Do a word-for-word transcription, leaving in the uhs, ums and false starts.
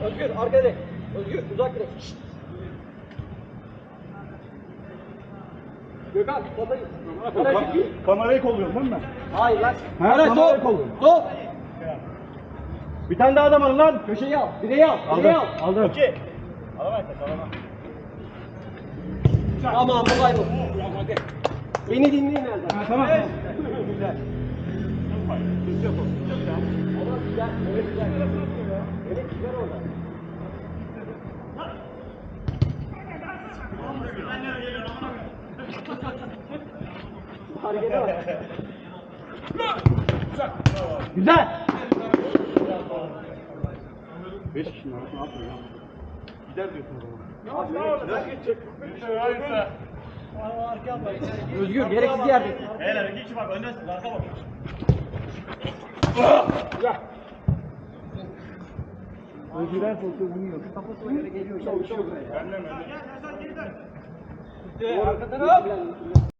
Özgür arkaya direkt. Özgür uzak direkt. Gökhan topa git. Kamerayı kolluyorum değil mi? Hayır lan. Ha, Ara kamerayı sol. kolluyorum. Sol. Bir tane daha adam alın lan. Köşeyi al. Direği al. Direği al. Aldım. İki. Alamayız. Alamam. Tamam kolay bu. Beni dinleyin Erdem. Ha, tamam. Güzel. Ama güzel. Evet güzel. Evet güzel orada. Harekete bak. Güzel. Beş kişinin arasına atmıyor ya. Gider diyorsun o zaman. Nasıl geçecek? Hayırsa. Özgür gereksiz yerde. Beyler iki kişi bak öndesiniz. Arka bak. Güzel. Özgür'en sokuyor bunu yok. Kafasına göre geliyor. Çalışıyor buraya. Benden mi? Arka taraf.